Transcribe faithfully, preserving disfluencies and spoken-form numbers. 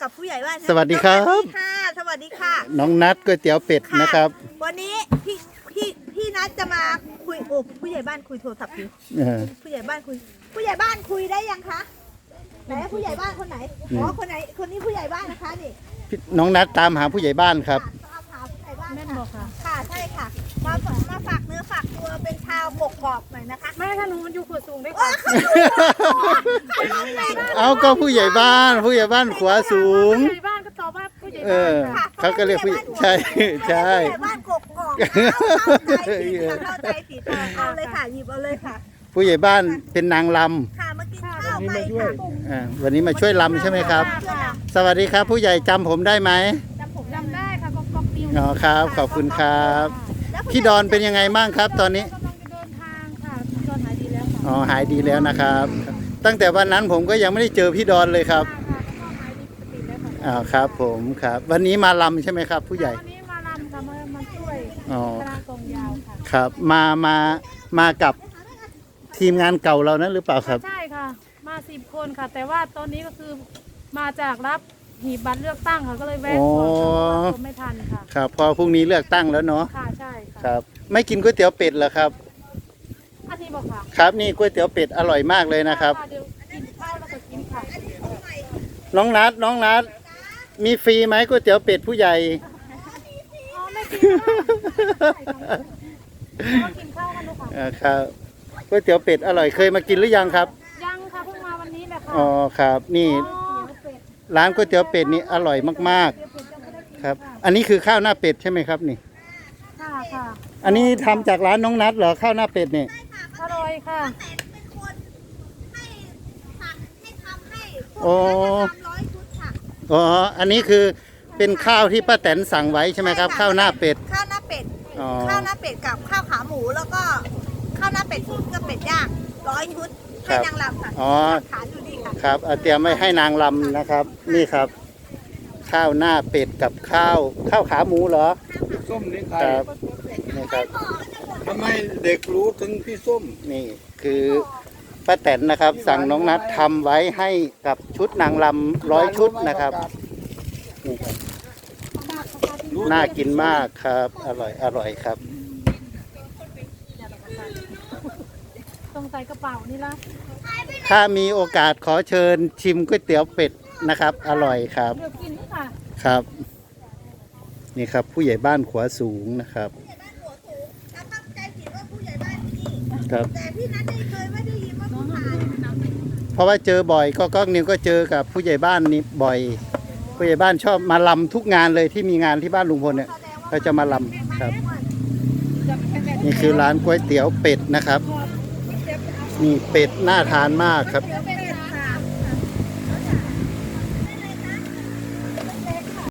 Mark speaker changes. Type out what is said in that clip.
Speaker 1: กับผู้ใหญ่บ้าน
Speaker 2: สวัสดีครับ
Speaker 1: สวัสดีค่ะสวัสดีค่ะ
Speaker 2: น้องนัดก๋วยเตี๋ยวเป็ดนะครับ
Speaker 1: วันนี้พี่พี่พี่นัดจะมาคุยโอ้ผู้ใหญ่บ้านคุยโทรศัพท์อยู่
Speaker 2: เออ
Speaker 1: ผู้ใหญ่บ้านคุย ผู้ใหญ่บ้านคุยได้ยังคะไหนผู้ใหญ่บ้านคนไหนอ๋อคนไหนคนนี้ผู้ใหญ่บ้านนะคะนี่
Speaker 2: พี่น้องนัดตามหาผู้ใหญ่บ้านครับ
Speaker 1: ตามหาผู้ใหญ่บ้าน
Speaker 3: แม่นบอกค่ะ
Speaker 1: ค่ะใช่ค่ะมาฝากมาฝากเนื้อฝากตัวเป็นชาวกกอกหน่อยนะคะ
Speaker 3: แม่ถ้าหนูมันอยู่ขวดสูงด้วย
Speaker 1: โอ้
Speaker 3: ค่ะ
Speaker 1: เขาดูเขาดูแรง
Speaker 2: เอาก็ผู้ใหญ่บ้าน ผู้ใหญ่บ้านขวาสูง
Speaker 3: ผู้ใหญ่บ้านก็ตอบว่าผู้ใหญ่
Speaker 2: เอ
Speaker 3: บ้าน
Speaker 2: อ
Speaker 3: ค่ะ
Speaker 2: เขาก็เรียกผู้ใช่ใช่
Speaker 1: ผู้ใหญ่บ้านกกอกเข้าใจผิดค่ะเข้าใจผิดเอาเลยค่ะหยิบเอาเลยค่ะ
Speaker 2: ผู้ใหญ่บ้านเป็นนางล
Speaker 1: ค่ะมากินข้าวไปค่ะ
Speaker 2: ำอ่าวันนี้มาช่วยลำใช่ไหมครับ
Speaker 3: ค่ะ
Speaker 2: สวัสดีครับ ผู้ใหญ่จำผมได้ไหม
Speaker 3: จำผมจำได้ค่ะก็ก๊อกนิ้ว
Speaker 2: อ๋อครับ ขอบคุณครับ พี่ดอนเป็นยังไงบ้างครับ ตอนนี้
Speaker 3: กำลังจะเดินทางค่ะพี่ดอนหายดีแล้วค่ะ
Speaker 2: อ๋อหายดีแล้วนะครับ ตั้งแต่วันนั้นผมก็ยังไม่ได้เจอพี่ดอนเลยครับ
Speaker 3: ค่ะก็หายดีปกติแล้วค่ะ
Speaker 2: อ๋อครับ ผมครับ วันนี้มาลำใช่ไหมครับ ผู้ใหญ่
Speaker 3: วันนี้มาลำค่ะมามาช่วย
Speaker 2: อ๋อ
Speaker 3: คณะกองยาวค่ะ
Speaker 2: ครับมามามากับทีมงานเก่าเรานั้นหรือเปล่าครับ
Speaker 3: ใช่ค่ะ มาสิบคนค่ะ แต่ว่าตอนนี้ก็คือมาจากรับหีบบัตรเลือกตั้งค่ะก็เลยแวะก่อนค่ะเพราะว่าผมไม่ทันค่ะ
Speaker 2: ครับพอพรุ่งนี้เลือกตั้งแล้วเนาะ
Speaker 3: ค่ะใช่
Speaker 2: ค
Speaker 3: ค่ะ
Speaker 2: รับ ไม่กินก๋วยเตี๋ยวเป็ดเหรอครับ
Speaker 3: อาทิตย์บอกค่ะ
Speaker 2: ครับนี่ก๋วยเตี๋ยวเป็ดอร่อยมากเลยนะครับ
Speaker 3: เดี๋ยวกินข้าวแล้วก็กินค่ะ
Speaker 2: น้องนัดน้องนัดมีฟรีไหมก๋วยเตี๋ยวเป็ดผู้ใหญ่
Speaker 3: อ๋อไม่กินค่ะกินข้าวกันลูกค่ะ
Speaker 2: อ่าครับก๋วยเตี๋ยวเป็ดอร่อยเคยมากินหรือยังครับ
Speaker 3: ยังค่ะเพิ่งมาวันนี้แหละค่ะ
Speaker 2: อ๋อครับ นี่
Speaker 3: อ๋อเป็ด
Speaker 2: ร้านก๋วยเตี๋ยวเป็ดนี่อร่อยมาก
Speaker 3: เดี๋ยวเป็ดจะไม่ได้กิน
Speaker 2: ๆครับ อันนี้คือข้าวหน้าเป็ดใช่ไหมครับนี่
Speaker 3: ค่ะค่ะ
Speaker 2: อันนี้ทำจากร้านน้องนัดเหรอข้าวหน้าเป็ดนี่
Speaker 3: อร่อยค่ะ
Speaker 1: แต่เป็นคนให้สั่งให้ทำให้พวก
Speaker 2: โอ้
Speaker 1: นั้นทำร้อยชุดค่ะ
Speaker 2: อ๋ออันนี้คือเป็นข้าวที่ป้าแตนสั่งไว้ใช่ไหมครับ ข้าวหน้าเป็ด
Speaker 1: ข้าวหน้าเป็ด
Speaker 2: อ๋อ
Speaker 1: ข้าวหน้าเป็ดกับข้าวขาหมูแล้วก็ข้าวหน้าเป็ดตุ๋นกับเป็ดย่างร้อยชุดให้นางรำค่ะ
Speaker 2: อ๋อ
Speaker 1: ฐานอยู่ดีค่ะ
Speaker 2: ครับเอาเตรียมไว้ให้นางลำนะครับ นี่ครับ ข้าวหน้าเป็ดกับข้าวข้าวขาหมูเหรอ
Speaker 4: พี่ส้มนี่ใคร
Speaker 2: ครับนี่ครับ
Speaker 4: ทำไมเด็กรู้ถึงพี่ส้ม
Speaker 2: นี่คือป้าแตนนะครับ สั่งน้องนัดทำไว้ให้กับชุดนางลำร้อยชุดนะครับนี่ครับน่ากินมากครับ อร่อยอร่อยครับ
Speaker 3: ต้องใส่กระเป๋านี่ละ
Speaker 2: ถ้ามีโอกาสขอเชิญชิมก๋วยเตี๋ยวเป็ดนะครับ อร่อยครับ
Speaker 3: เดี๋ยวกินนี่ค่ะ
Speaker 2: ครับ นี่ครับ ผู้ใหญ่บ้านขวาสูงนะครับ
Speaker 1: ผู้ใหญ่บ้านหัวสูงถ้าตั้งใจผิดว่าผู้ใหญ่บ้านที่นี่
Speaker 2: ครับ
Speaker 1: แต่พี่นัทไม่เคยไม่ได้ยินว่าผู้ชาย
Speaker 2: เพราะว่าเจอบ่อยก็ก็นิวก็เจอกับผู้ใหญ่บ้านนี่บ่อย ผู้ใหญ่บ้านชอบมาลำทุกงานเลยที่มีงานที่บ้านลุงพลเนี่ยเขาจะมาลำครับ นี่คือร้านก๋วยเตี๋ยวเป็ดนะครับนี่เป็ดน่าทานมากครับ
Speaker 1: เดี๋ยวเป็น